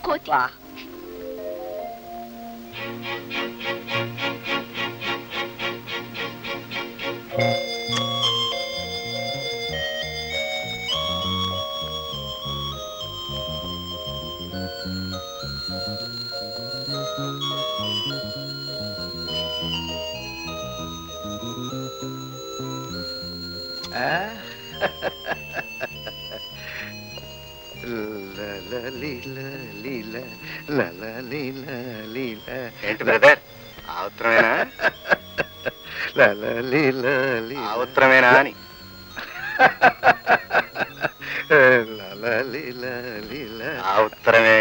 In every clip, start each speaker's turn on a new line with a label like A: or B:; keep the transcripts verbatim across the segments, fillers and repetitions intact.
A: కోతి.
B: ఏంటి బ్రదర్, ఆ ఉత్తరమేనా? ఆ ఉత్తరమేనా అని. ఆ ఉత్తరమే.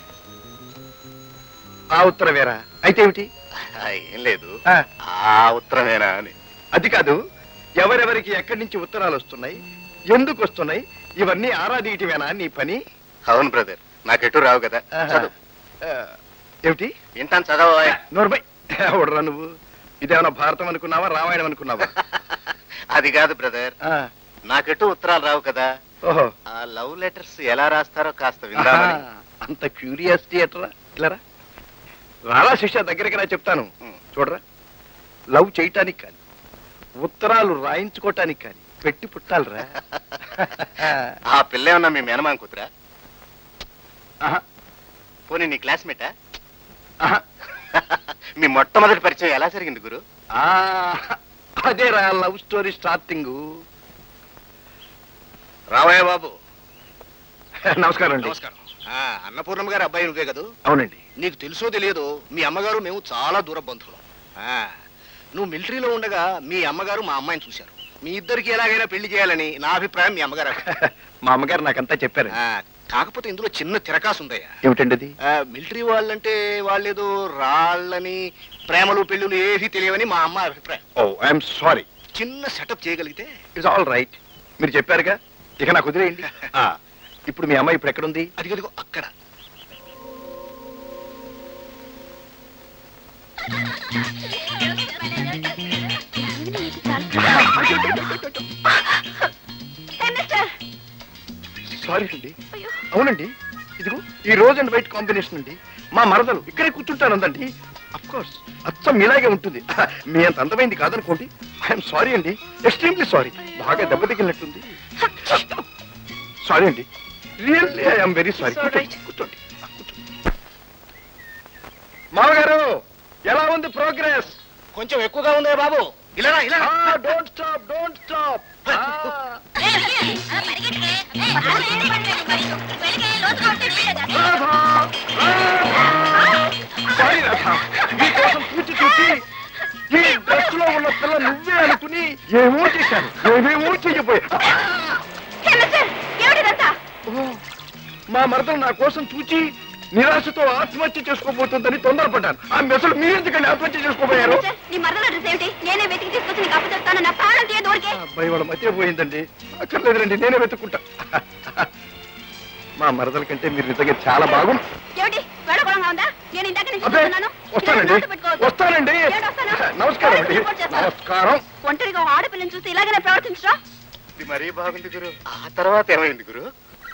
C: ఆ ఉత్తరమేరా? అయితే ఏమిటి?
B: ఏం లేదు, ఆ ఉత్తరమేనా అని.
C: అది కాదు, ఎవరెవరికి ఎక్కడి నుంచి ఉత్తరాలు వస్తున్నాయి, ఎందుకు వస్తున్నాయి, ఇవన్నీ ఆరాధీయటమేనా నీ పని?
B: అవును బ్రదర్, నాకెటు రావు కదా. చదువు.
C: ఏమిటి?
B: వింటాను, చదవా.
C: నోర్బై ఎవడరా నువ్వు? ఇదేమన్నా భారతం అనుకున్నావా, రామాయణం అనుకున్నావా?
B: అది కాదు బ్రదర్, నాకెటు ఉత్తరాలు రావు కదా.
C: ఓహో,
B: ఆ లవ్ లెటర్స్ ఎలా రాస్తారో కాస్త విందామని.
C: అంత క్యూరియాసిటీ ఎట్రా? ఇలారా రారా శిష్య, దగ్గరికి రా చెప్తాను. చూడరా, లవ్ చేయటానికి కానీ ఉత్తరాలు రాయించుకోవటానికి కానీ పెట్టి పుట్టాలరా.
B: ఆ పిల్ల ఏమన్నా మీ మేనమామ కూతురా? పోనీ నీ క్లాస్మేటా? మీ మొట్టమొదటి పరిచయం ఎలా జరిగింది గురు?
C: అదేరా లవ్ స్టోరీ స్టార్టింగ్.
B: రావయ్య బాబు.
C: నమస్కారం అండి.
B: నమస్కారం. అన్నపూర్ణమ్మ గారు అబ్బాయి నువ్వే కదా?
C: అవునండి.
B: నీకు తెలుసో తెలియదో మీ అమ్మగారు మేము చాలా దూర బంధువులం. నువ్వు మిలిటరీలో ఉండగా మీ అమ్మగారు మా అమ్మాయిని చూశారు. మీ ఇద్దరికి ఎలాగైనా పెళ్లి చేయాలని నా అభిప్రాయం. మీ అమ్మగారు
C: మా అమ్మగారు నాకంతా చెప్పారు.
B: కాకపోతే ఇందులో చిన్న తిరకాసు ఉందయ్యా.
C: ఏమిటండి అది?
B: మిలిటరీ వాళ్ళంటే వాళ్ళేదో రాళ్ళని ప్రేమలు పెళ్ళులు ఏవి తెలియవని మా అమ్మ అభిప్రాయం.
C: Oh I'm sorry.
B: చిన్న సెటప్ చేయగలిగితే
C: ఇట్స్ ఆల్ రైట్. మీరు చెప్పారుగా, ఇక నాకు వదిలేయండి. ఇప్పుడు మీ అమ్మాయి ఇప్పుడు ఎక్కడుంది?
B: అది కదిగో అక్కడ.
C: సారీ అండి. అవునండి, ఇదిగో ఈ రోజ్ అండ్ వైట్ కాంబినేషన్ అండి. మా మరదలు ఇక్కడే కూర్చుంటానందండి. అఫ్ కోర్స్ అచ్చం మీలాగే ఉంటుంది. మీ అంత అందమైంది కాదనుకోండి. ఐఎమ్ సారీ అండి, ఎక్స్ట్రీమ్లీ సారీ. బాగా దెబ్బ తగిలినట్టుంది. సారీ అండి, రియల్లీ ఐఎమ్ వెరీ సారీ. కూర్చోండి. మామగారు, ఎలా ఉంది ప్రోగ్రెస్?
B: కొంచెం ఎక్కువగా ఉంది బాబు. ఇలా ఇలా.
C: Don't stop, don't stop. Sorry Radha, మీకోసం చూచి చూచి ఈ డ్రెస్ లో ఉన్న పిల్ల నువ్వే అనుకుని ఏమో చేశాను, ఏమేమో చెయ్యబోయా. మా మరదలు నా కోసం చూచి నిరాశతో ఆత్మహత్య చేసుకోబోతుందని తొందరపడ్డాను. ఆ మెసలు మీరెందుకండి ఆత్మహత్య చేసుకోబోయారు? అబ్బాయి వాళ్ళ మధ్య పోయిందండి. అక్కర్లేదురండి, నేనే వెతుక్కుంటా. మా మరదల కంటే మీరు నిజంగా చాలా బాగుంది. వస్తానండి, వస్తానండి. నమస్కారం అండి. నమస్కారం.
A: ఒంటరిగా ఆడపిల్లని చూస్తే ఇలాగనే ప్రవర్తించరా?
B: ఇది మరీ బాగుంది గురు. ఆ తర్వాత ఏమైంది గురు?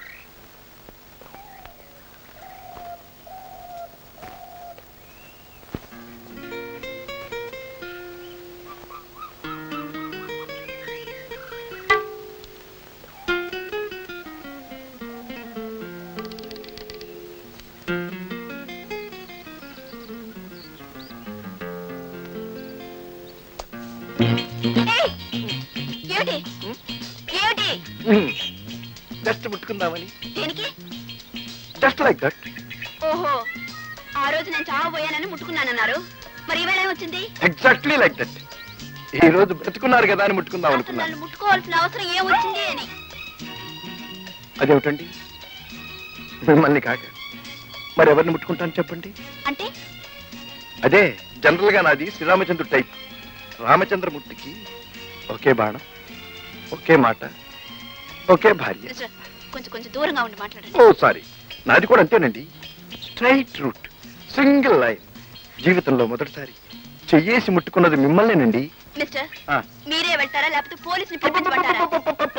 C: జస్ట్ ముట్టుకుందామని.
A: దేనికి?
C: Just like that.
A: ఓహో, ఆ రోజు నేను చావబోయానని ముట్టుకున్నానన్నారు, మరి ఈవేళ ఏమొచ్చింది?
C: Exactly like that. ఈ రోజు బ్రతుకున్నారు కదా అని ముట్టుకుందాం అనుకున్నాను.
A: ముట్టుకోవాల్సిన అవసరం ఏమొచ్చింది అని.
C: అదేమిటండి, మిమ్మల్ని కాక మరి ఎవరిని ముట్టుకుంటాను చెప్పండి?
A: అంటే
C: అదే జనరల్ గా నాది శ్రీరామచంద్రుడు టైప్. రామచంద్రమూర్తికి ఒకే బాణం, ఒకే మాట, ఒకే భార్య.
A: కొంచెం కొంచెం దూరంగా ఉండి మాట్లాడండి.
C: ఓ సారీ, నాది కూడా అంతేనండి. Straight route, single line. జీవితంలో మొదటిసారి చెయ్యేసి ముట్టుకున్నది మిమ్మల్నేనండి.
A: మిస్టర్, మీరే వెళ్తారా లేకపోతే పోలీసుని పిలిపించమంటారా?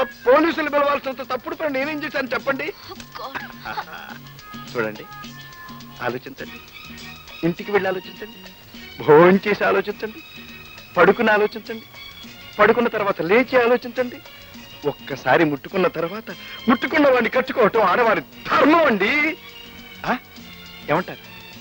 C: పోలీసులు పిలవాల్సినంత తప్పుడు పని నేనేం చేశాను చెప్పండి? చూడండి, ఆలోచించండి. ఇంటికి వెళ్ళి ఆలోచించండి. భోజనం చేసి ఆలోచించండి. పడుకుని ఆలోచించండి. పడుకున్న తర్వాత లేచి ఆలోచించండి. ఒక్కసారి ముట్టుకున్న తర్వాత ముట్టుకున్న వాడిని కట్టుకోవటం ఆడవారి ధర్మం అండి. ఆ? ఏమంటారు?